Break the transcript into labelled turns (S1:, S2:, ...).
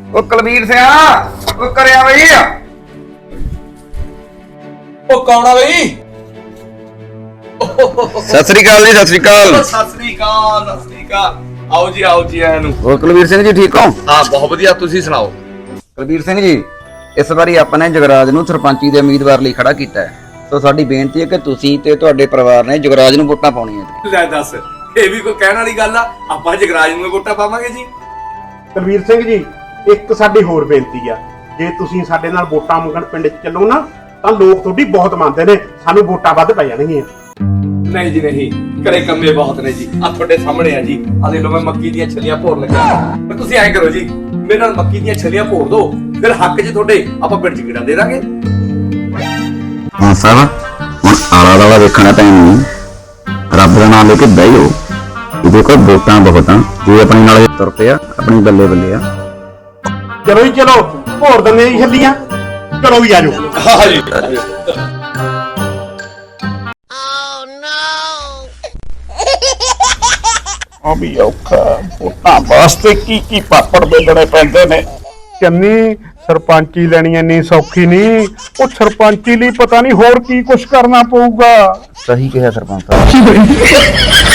S1: ਉਹ ਕੁਲਵੀਰ ਸਿਆ ਉਹ ਕਰਿਆ ਬਈ।
S2: ਉਹ ਕੌਣ ਆ ਬਈ?
S1: ਸਤਿ ਸ੍ਰੀ ਅਕਾਲ ਜੀ। ਸਤਿ ਸ੍ਰੀ ਅਕਾਲ।
S2: ਸਤਿ ਸ੍ਰੀ ਅਕਾਲ, ਸਤਿ ਸ੍ਰੀ ਅਕਾਲ। ਆਓ ਜੀ, ਆਓ ਜੀ ਆਇਆਂ ਨੂੰ।
S1: ਹੋਰ ਕੁਲਵੀਰ ਸਿੰਘ ਜੀ ਠੀਕ ਹੋ?
S2: ਹਾਂ, ਬਹੁਤ ਵਧੀਆ। ਤੁਸੀਂ ਸੁਣਾਓ।
S1: ਕੁਲਵੀਰ ਸਿੰਘ ਜੀ, ਇਸ ਵਾਰੀ ਆਪਾਂ ਨੇ ਜਗਰਾਜ ਨੂੰ ਸਰਪੰਚੀ ਦੇ ਉਮੀਦਵਾਰ ਲਈ ਖੜਾ ਕੀਤਾ ਹੈ। ਸੋ ਸਾਡੀ ਬੇਨਤੀ ਹੈ ਕਿ ਤੁਸੀਂ ਤੇ ਤੁਹਾਡੇ ਪਰਿਵਾਰ ਨੇ ਜਗਰਾਜ ਨੂੰ ਵੋਟਾਂ ਪਾਉਣੀਆਂ।
S2: ਲੈ ਦੱਸ, ਇਹ ਵੀ ਕੋਈ ਕਹਿਣ ਵਾਲੀ ਗੱਲ ਆ? ਆਪਾਂ ਜਗਰਾਜ ਨੂੰ ਵੋਟਾਂ ਪਾਵਾਂਗੇ ਜੀ।
S3: ਕੁਲਵੀਰ ਸਿੰਘ ਜੀ, ਇੱਕ ਸਾਡੀ ਹੋਰ ਬੇਨਤੀ ਆ, ਜੇ ਤੁਸੀਂ ਸਾਡੇ ਨਾਲ ਵੋਟਾਂ ਮੰਗਣ ਪਿੰਡ 'ਚ ਚੱਲੋ ਨਾ ਤਾਂ ਲੋਕ ਤੁਹਾਡੀ ਬਹੁਤ ਮੰਨਦੇ ਨੇ, ਸਾਨੂੰ ਵੋਟਾਂ ਵੱਧ ਪੈ ਜਾਣਗੀਆਂ।
S2: ਨਹੀਂ ਜੀ ਨਹੀਂ, ਘਰੇ ਕੰਮੇ ਬਹੁਤ ਨੇ ਜੀ। ਆ ਤੁਹਾਡੇ ਸਾਹਮਣੇ ਆ ਜੀ। ਆ ਦੇਖ ਲਓ, ਮੈਂ ਮੱਕੀ ਦੀਆਂ ਛੱਲੀਆਂ ਭੋਰ ਲੱਗਾ। ਪਰ ਤੁਸੀਂ ਐਂ ਕਰੋ ਜੀ, ਮੇਰੇ ਨਾਲ ਮੱਕੀ ਦੀਆਂ ਛੱਲੀਆਂ ਭੋਰ ਦਿਓ, ਫਿਰ ਹੱਕ 'ਚ ਤੁਹਾਡੇ ਆਪਾਂ ਪਿੰਡ 'ਚ ਗੇੜਾ ਦੇ ਦਾਂਗੇ।
S1: ਹਾਂ ਸਾਹਿਬ, ਹੁਣ ਆਲਾ ਦਾਲਾ ਦੇਖਣਾ ਪੈਣੀ। ਰੱਬ ਦਾ ਨਾਮ ਲੈ ਕੇ ਬਹਿ ਜਾਓ। ਇਹਦੇ ਕੋਲ ਵੋਟਾਂ ਬਹੁਤ ਆ, ਜੇ ਆਪਣੇ ਨਾਲ ਤੁਰ ਪਿਆ ਆਪਣੀ ਬੱਲੇ ਬੱਲੇ ਆ।
S3: ਚਲੋ ਜੀ ਚਲੋ, ਭੋਰ ਦਿੰਦੇ ਜੀ ਛੱਲੀਆਂ। ਚਲੋ ਵੀ ਆਜੋ।
S2: ਹਾਂ ਜੀ।
S4: ਆ ਵੀ ਔਖਾ, ਵੋਟਾਂ ਵਾਸਤੇ ਕੀ ਪਾਪੜ ਵੇਲਣੇ ਪੈਂਦੇ ਨੇ। ਚੰਨੀ, ਸਰਪੰਚੀ ਲੈਣੀ ਇੰਨੀ ਸੌਖੀ ਨਹੀਂ। ਉਹ ਸਰਪੰਚੀ ਲਈ ਪਤਾ ਨਹੀਂ ਹੋਰ ਕੀ ਕੁਛ ਕਰਨਾ ਪਊਗਾ।
S1: ਸਹੀ ਕਿਹਾ ਸਰਪੰਚ ਸਾਹਿਬ।